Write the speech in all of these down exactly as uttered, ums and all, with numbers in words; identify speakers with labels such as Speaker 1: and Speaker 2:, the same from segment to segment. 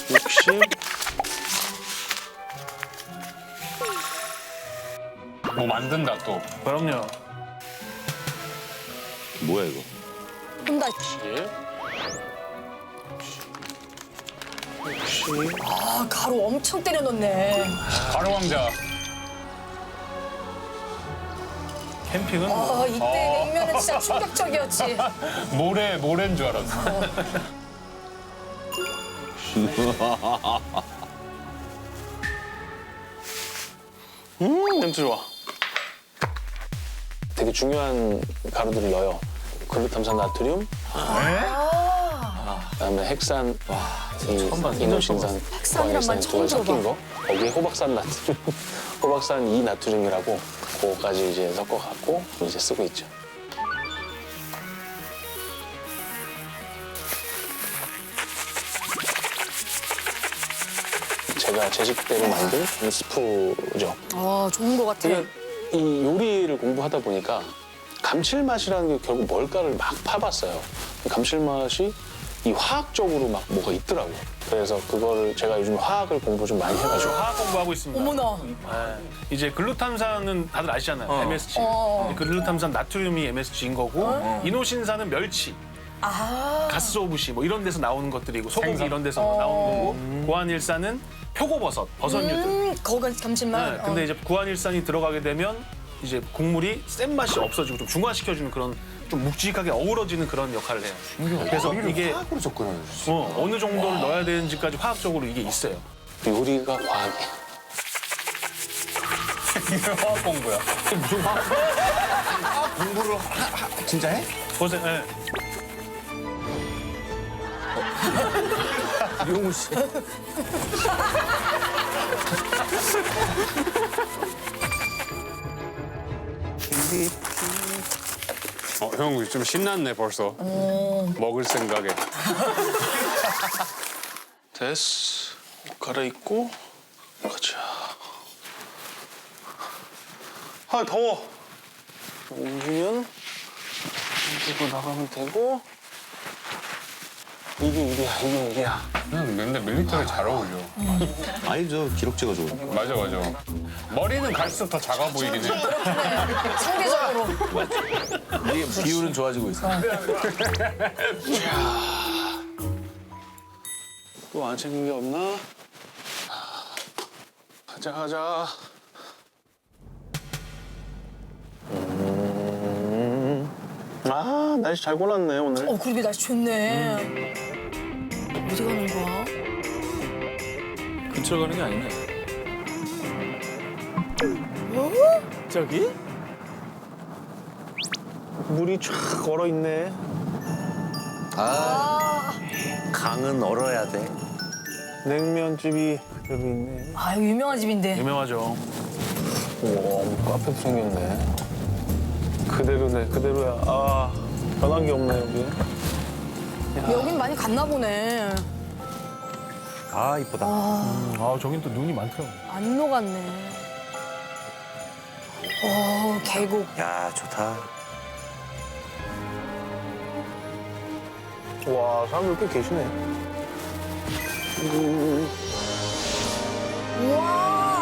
Speaker 1: 육십.
Speaker 2: 뭐 만든다 또.
Speaker 3: 그럼요.
Speaker 4: 뭐야 이거?
Speaker 5: 혼다.
Speaker 1: 육십.
Speaker 5: 아, 가루 엄청 때려 넣네.
Speaker 2: 가루 왕자.
Speaker 3: 캠핑은 뭐.
Speaker 5: 아, 이때
Speaker 2: 어.
Speaker 5: 냉면은 진짜 충격적이었지.
Speaker 2: 모래 모래인 줄 알았어.
Speaker 1: 음, 냄새 좋아. 되게 중요한 가루들을 넣어요. 글루탐산 나트륨, 그다음에 핵산, 이, 이노신산,
Speaker 5: 핵산이란 말
Speaker 1: 구안일산이
Speaker 5: 처음
Speaker 1: 두 가지 섞인
Speaker 5: 들어봐.
Speaker 1: 거. 거기에 호박산 나트륨, 호박산 이 나트륨이라고 그거까지 이제 섞어갖고 이제 쓰고 있죠. 제가 제 식대로 만든 스프죠.
Speaker 5: 아, 좋은 것 같아.
Speaker 1: 제가 이 요리를 공부하다 보니까 감칠맛이라는 게 결국 뭘까를 막 파봤어요. 감칠맛이 이 화학적으로 막 뭐가 있더라고요. 그래서 그거를 제가 요즘 화학을 공부 좀 많이 해가지고
Speaker 3: 화학 공부하고 있습니다.
Speaker 5: 어머나.
Speaker 3: 네. 이제 글루탐산은 다들 아시잖아요. 엠에스지.
Speaker 5: 어.
Speaker 3: 글루탐산 나트륨이 엠에스지인 거고 이노신산은 멸치,
Speaker 5: 아.
Speaker 3: 가스오부시 뭐 이런 데서 나오는 것들이고 소고기
Speaker 2: 생선.
Speaker 3: 이런 데서 나오는 거고 구안일산은 표고버섯, 버섯류들.
Speaker 5: 음, 거가 감칠맛.
Speaker 3: 네, 근데
Speaker 5: 어.
Speaker 3: 이제 구안일산이 들어가게 되면 이제 국물이 센 맛이 없어지고 좀 중화시켜주는 그런 좀 묵직하게 어우러지는 그런 역할을 해요. 그래서 이게
Speaker 4: 화학으로 접근하는 거지.
Speaker 3: 어, 어느 정도를 넣어야 되는지까지 화학적으로 이게 있어요.
Speaker 1: 요리가 과학이
Speaker 2: 이게 화학 공부야.
Speaker 4: 공부를 하, 하, 진짜 해?
Speaker 3: 보세요. 예.
Speaker 4: 이용우 씨.
Speaker 2: 어, 형 좀 신났네 벌써. 먹을 생각에.
Speaker 1: 됐어. 옷 갈아입고 가자. 아 더워. 옮기면 옮기고 나가면 되고. 이게 일이야, 이게 일이야.
Speaker 2: 형 맨날 밀리터리 잘 어울려.
Speaker 4: 아니 저 기록제가 좋으니까.
Speaker 2: 맞아 맞아. 머리는 갈수록 더 작아 보이긴 해.
Speaker 5: 상대적으로.
Speaker 4: 이게 비율은 좋아지고 있어.
Speaker 1: 또 안 챙긴 게 없나? 가자, 가자. 음. 아, 날씨 잘 골랐네, 오늘.
Speaker 5: 어, 그러게 날씨 좋네. 어디 가는 거야?
Speaker 4: 근처로 가는 게 아니네.
Speaker 3: 저기?
Speaker 1: 물이 쫙 얼어 있네.
Speaker 4: 아, 강은 얼어야 돼.
Speaker 1: 냉면집이 여기 있네.
Speaker 5: 아, 이거 유명한 집인데.
Speaker 3: 유명하죠.
Speaker 1: 우와, 카페도 생겼네. 그대로네, 그대로야. 아, 변한 게 없네, 여기.
Speaker 5: 여긴 많이 갔나 보네.
Speaker 4: 아 이쁘다.
Speaker 3: 아, 저긴 또 눈이 많더라고요.
Speaker 5: 안 녹았네. 어, 계곡.
Speaker 4: 야 좋다.
Speaker 1: 와, 사람들 꽤 계시네.
Speaker 5: 우와.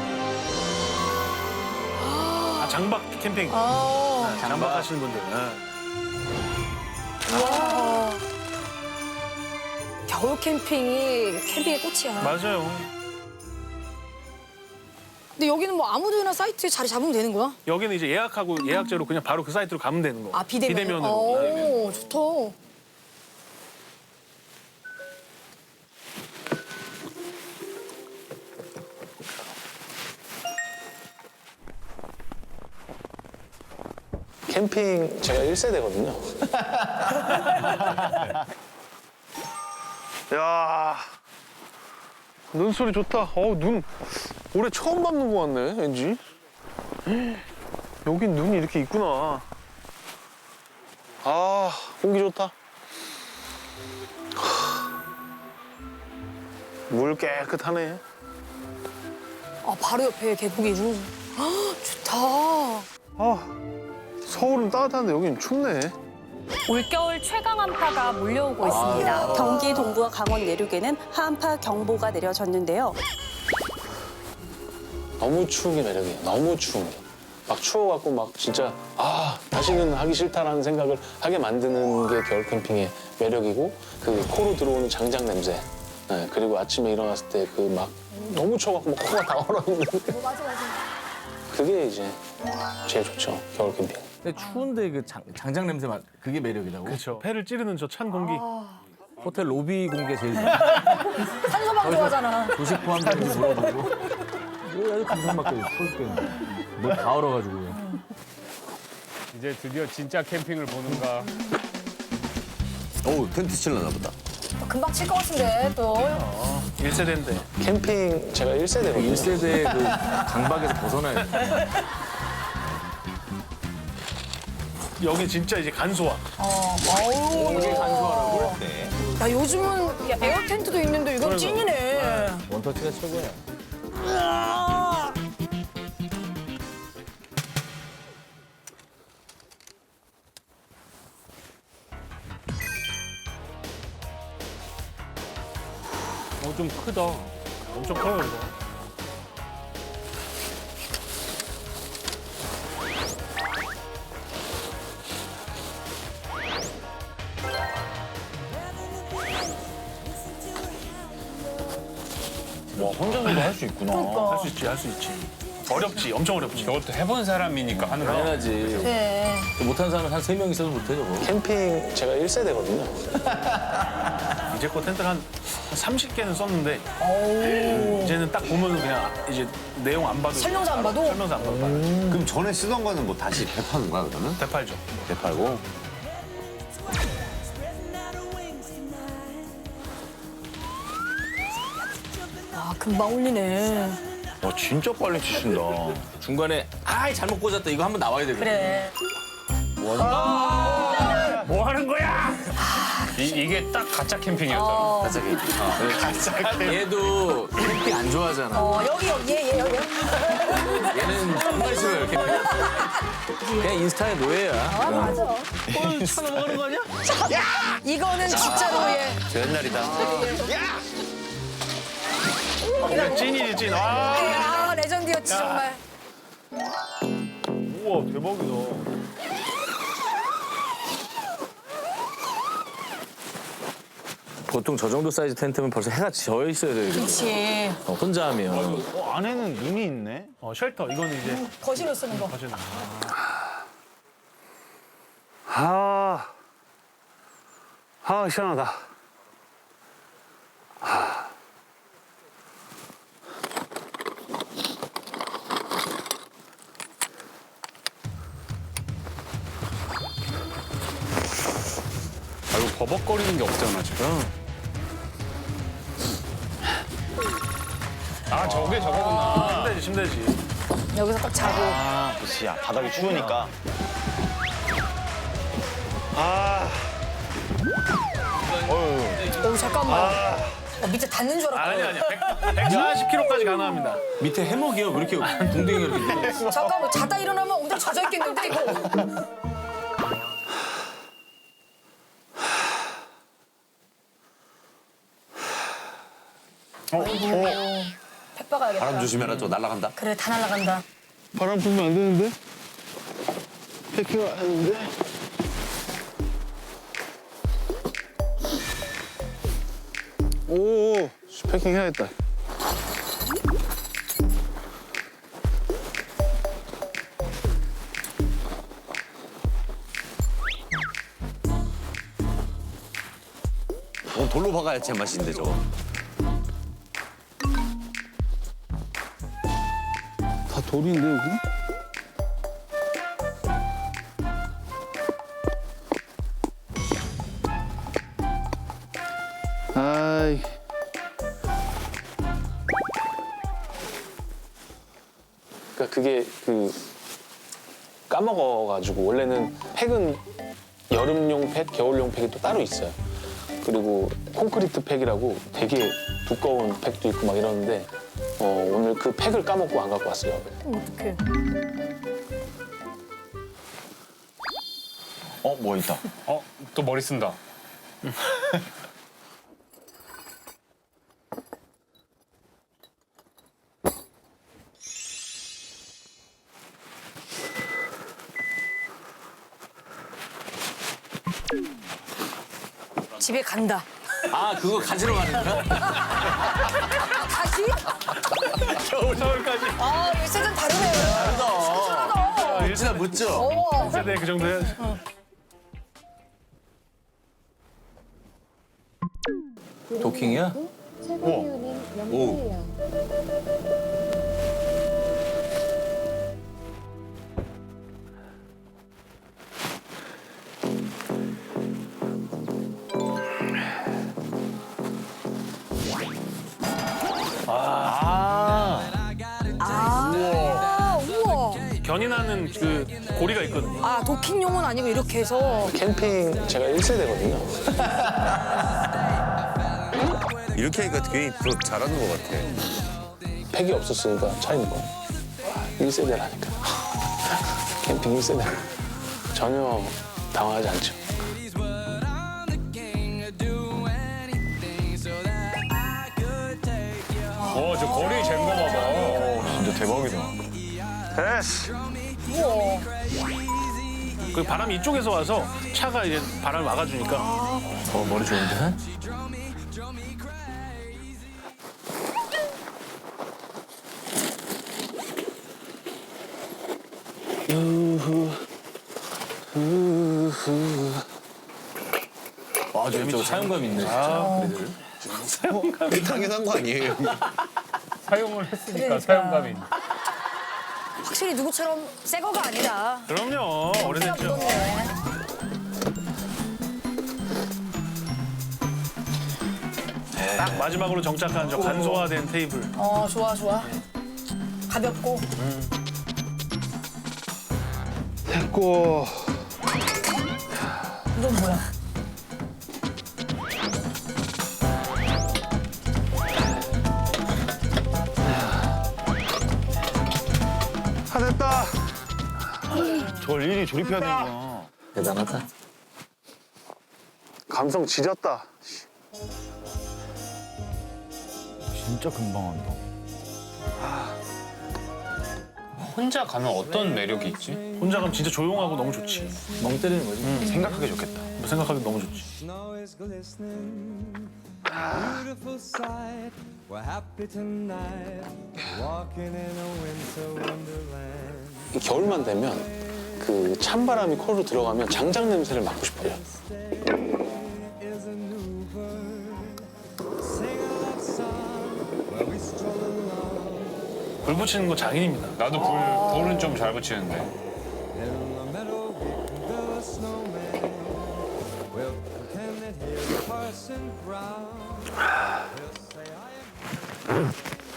Speaker 3: 아, 장박 캠핑.
Speaker 5: 아,
Speaker 3: 장박하시는 분들. 예.
Speaker 5: 우와. 겨울 캠핑이 캠핑의 꽃이야.
Speaker 3: 맞아요.
Speaker 5: 근데 여기는 뭐 아무데나 사이트에 자리 잡으면 되는 거야?
Speaker 3: 여기는 이제 예약하고 예약제로 그냥 바로 그 사이트로 가면 되는 거.
Speaker 5: 아, 비대면.
Speaker 3: 비대면으로. 네.
Speaker 5: 오, 좋다.
Speaker 1: 캠핑 제가 일 세대거든요. 야, 눈소리 좋다. 어우, 눈 올해 처음 밟는 거 같네, 왠지. 여긴 눈이 이렇게 있구나. 아, 공기 좋다. 물 깨끗하네.
Speaker 5: 아, 바로 옆에 계곡이고. 아, 좋다.
Speaker 1: 아, 서울은 따뜻한데 여긴 춥네.
Speaker 6: 올겨울 최강 한파가 몰려오고 있습니다.
Speaker 7: 경기 동부와 강원 내륙에는 한파 경보가 내려졌는데요.
Speaker 1: 너무 추운 게 매력이에요. 너무 추운 게. 막 추워갖고 막 진짜 아 다시는 하기 싫다라는 생각을 하게 만드는 게 겨울 캠핑의 매력이고 그 코로 들어오는 장작 냄새. 네, 그리고 아침에 일어났을 때 그 막 너무 추워갖고 막 코가 다 얼어있는.
Speaker 5: 맞아 맞아.
Speaker 1: 그게 이제 제일 좋죠 겨울 캠핑.
Speaker 4: 근데 추운데 그 장, 장작 냄새 맡 그게 매력이라고?
Speaker 3: 그렇죠. 폐를 찌르는 저 찬 공기.
Speaker 4: 호텔 로비 공개 제일 좋아.
Speaker 5: 산소방 좋아하잖아.
Speaker 4: 조식 포함되는지 물어보고. 뭐 아주 감성받게 추울 때는. 뭐다 얼어가지고.
Speaker 2: 이제 드디어 진짜 캠핑을 보는가.
Speaker 4: 어우 텐트 칠려나 보다.
Speaker 5: 금방 칠 것 같은데 또.
Speaker 3: 일 세대인데.
Speaker 1: 캠핑 제가 일 세대거든요.
Speaker 4: 일 세대의 그 강박에서 벗어나야 돼.
Speaker 3: 여기 진짜 이제 간소화.
Speaker 5: 어. 어우.
Speaker 4: 이게 간소하라고?
Speaker 5: 야 요즘은 야, 에어 텐트도 있는데 이건 찐이네.
Speaker 4: 원터치가 최고야.
Speaker 2: 어, 좀 크다.
Speaker 3: 엄청 커요 이거.
Speaker 4: 와 혼자서도 할 수 있구나.
Speaker 3: 할 수 있지 할 수 있지. 어렵지 엄청 어렵지.
Speaker 2: 저것도 해본 사람이니까 하는 거야.
Speaker 4: 당연하지.
Speaker 5: 네.
Speaker 4: 못하는 사람은 한 세 명 있어도 못해 저거.
Speaker 1: 캠핑 제가 일 세대거든요.
Speaker 3: 이제껏 텐트를 한 삼십 개는 썼는데 이제는 딱 보면 그냥 이제 내용 안 봐도
Speaker 5: 설명서 안 봐도?
Speaker 3: 설명서 안 봐도 알아.
Speaker 8: 그럼 전에 쓰던 거는 뭐 다시 되파는 거야 그러면?
Speaker 3: 대팔죠.
Speaker 8: 되팔고?
Speaker 5: 아 금방 올리네.
Speaker 8: 와 진짜 빨리 치신다.
Speaker 4: 중간에 아이 잘못 꽂았다 이거 한번 나와야 되거든.
Speaker 5: 그래.
Speaker 2: 뭐 하는 거야? 이, 이게 딱 가짜 캠핑이었잖아.
Speaker 4: 갑자기. 얘도 캠핑 안 좋아하잖아.
Speaker 5: 어 여기 여기 얘, 얘 여기.
Speaker 4: 얘는 정말 싫어요 캠핑. 그냥 인스타의 노예야.
Speaker 5: 아 맞아.
Speaker 3: 차 넘어가는 거 아니야?
Speaker 5: 이거는 진짜로 얘.
Speaker 4: 저 옛날이다.
Speaker 3: 그냥 찐이지 찐. 아,
Speaker 5: 아 레전드였지 정말.
Speaker 3: 우와 대박이다.
Speaker 4: 보통 저 정도 사이즈 텐트면 벌써 해가 져 있어야 되거든.
Speaker 5: 그렇지.
Speaker 4: 어, 혼자 하면.
Speaker 8: 어, 안에는 눈이 있네.
Speaker 3: 어 쉘터 이거는 이제
Speaker 5: 거실로 쓰는 거.
Speaker 3: 거실.
Speaker 1: 아, 아 시원하다.
Speaker 2: 아, 이거 버벅거리는 게 없잖아 지금. 아 저게 저거구나.
Speaker 3: 침대지 침대지.
Speaker 5: 여기서 딱 자고.
Speaker 8: 아, 그치. 야, 바닥이 추우니까. 아. 어휴.
Speaker 5: 오 잠깐만. 어, 밑에 닿는 줄 알았다.
Speaker 3: 아니 아니야. 백사십 킬로그램까지 가능합니다.
Speaker 4: 밑에 해먹이요. 왜 이렇게 동댕이가 이렇게.
Speaker 5: 잠깐만 자다 일어나면 엉덩이 젖어 있겠는데 이거. 아이고. 팩 박아야겠다.
Speaker 4: 바람 조심해라. 저 날아간다.
Speaker 5: 그래 다 날아간다.
Speaker 1: 바람 불면 안 되는데? 패킹을 하는데? 오, 패킹 해야겠다.
Speaker 4: 어, 돌로 박아야 제맛인데 저거.
Speaker 1: 다 돌인데 여기? 아이. 그러니까 그게 그 까먹어가지고 원래는 팩은 여름용 팩, 겨울용 팩이 또 따로 있어요. 그리고 콘크리트 팩이라고 되게 두꺼운 팩도 있고 막 이러는데 어, 오늘 그 팩을 까먹고 안 갖고 왔어요.
Speaker 5: 어떡해.
Speaker 8: 어, 어, 뭐 있다.
Speaker 2: 어, 또 머리 쓴다.
Speaker 5: 집에 간다.
Speaker 4: 아 그거 가지러 가는 거야?
Speaker 5: 다시?
Speaker 3: 서울까지.
Speaker 5: 아, 이 세대는 다르네요. 다르다.
Speaker 4: 묻지나 묻죠.
Speaker 5: 어.
Speaker 3: 세대 그 정도 해야지.
Speaker 4: 도킹이야? 오.
Speaker 8: 아,
Speaker 5: 아, 우와.
Speaker 3: 견인하는 그 고리가 있거든요.
Speaker 5: 아, 도킹용은 아니고 이렇게 해서.
Speaker 1: 캠핑 제가 일 세대거든요.
Speaker 9: 이렇게 하니까 괜히 더 잘하는 것 같아.
Speaker 1: 팩이 없었으니까 차인 거. 일 세대라니까. 캠핑 일 세대. 전혀 당황하지 않죠.
Speaker 2: 어, 저 거리 잰거 봐봐.
Speaker 8: 진짜 대박이다.
Speaker 3: 그 바람이 이쪽에서 와서 차가 이제 바람을 막아주니까.
Speaker 4: 어 머리 좋은데? 아, 저, 저 사용감 있네, 진짜. 그래들.
Speaker 9: 당연한 거 아니에요?
Speaker 2: 사용을 했으니까
Speaker 5: 그러니까.
Speaker 2: 사용감이 있네.
Speaker 5: 확실히 누구처럼 새 거가 아니다.
Speaker 3: 그럼요. 오래됐죠.
Speaker 5: 묻었네.
Speaker 3: 딱 마지막으로 정착한 저 간소화된 테이블.
Speaker 5: 어, 좋아, 좋아. 가볍고.
Speaker 1: 됐고.
Speaker 5: 이건 뭐야?
Speaker 1: 다 됐다.
Speaker 8: 저걸 일일이 조립해야 되는구나.
Speaker 4: 대단하다.
Speaker 1: 감성 지렸다.
Speaker 8: 진짜 금방 한다.
Speaker 2: 혼자 가면 어떤 매력이 있지?
Speaker 3: 혼자 가면 진짜 조용하고 너무 좋지.
Speaker 4: 멍 때리는 거지.
Speaker 8: 생각하기 좋겠다.
Speaker 3: 뭐 생각하기 너무 좋지.
Speaker 10: Snow is glistening, beautiful sight. We're happy tonight, walking in a winter wonderland.
Speaker 1: 겨울만 되면 그 찬바람이 코로 들어가면 장작 냄새를 맡고 싶어요.
Speaker 10: Is a new bird, sing a love song, where we stroll along.
Speaker 3: 불 붙이는 거 장인입니다.
Speaker 2: 나도 불, 불은 좀 잘 붙이는데.
Speaker 10: In the meadow we can build a snowman. We'll pretend that he's Parson Brown. He'll say I am.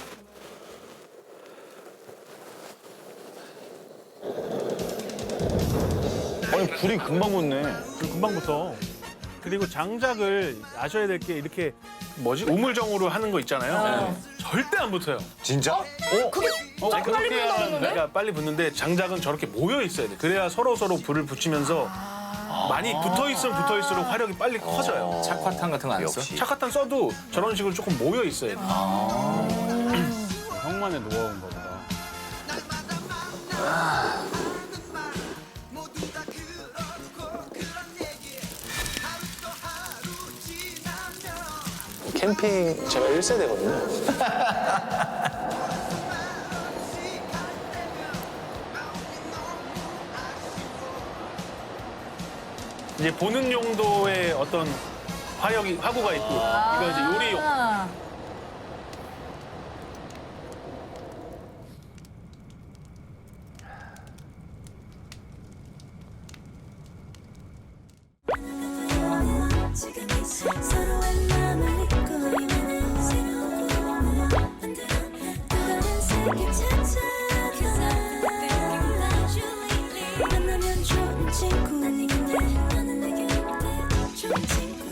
Speaker 8: 아니, 불이 금방 붙네.
Speaker 3: 그 금방부터. 그리고 장작을 아셔야 될 게 이렇게 뭐지? 우물정으로 하는 거 있잖아요. 절대 안 붙어요.
Speaker 9: 진짜?
Speaker 5: 그게 좀
Speaker 3: 아니,
Speaker 5: 빨리
Speaker 3: 그렇게
Speaker 5: 불나오는데?
Speaker 3: 하면 내가 빨리 붙는데 장작은 저렇게 모여 있어야 돼. 그래야 서로 서로 불을 붙이면서 많이 붙어 있으면 붙어 있을수록 화력이 빨리 커져요.
Speaker 4: 착화탄 같은 거 안 써?
Speaker 3: 착화탄 써도 저런 식으로 조금 모여 있어야 돼.
Speaker 2: 형만의 노하우인가 보다.
Speaker 1: 캠핑 제가 일 세대거든요.
Speaker 3: 이제 보는 용도의 어떤 화력이 화구가 있고 이거 이제 요리용.
Speaker 5: 아.
Speaker 11: 지금 이 서로의 마음을 잊고 있는 새로운 꿈을 만들어 뜨거운 세계 찾아가 만나면 좋은 친구 너는 내게 어때 좋은 친구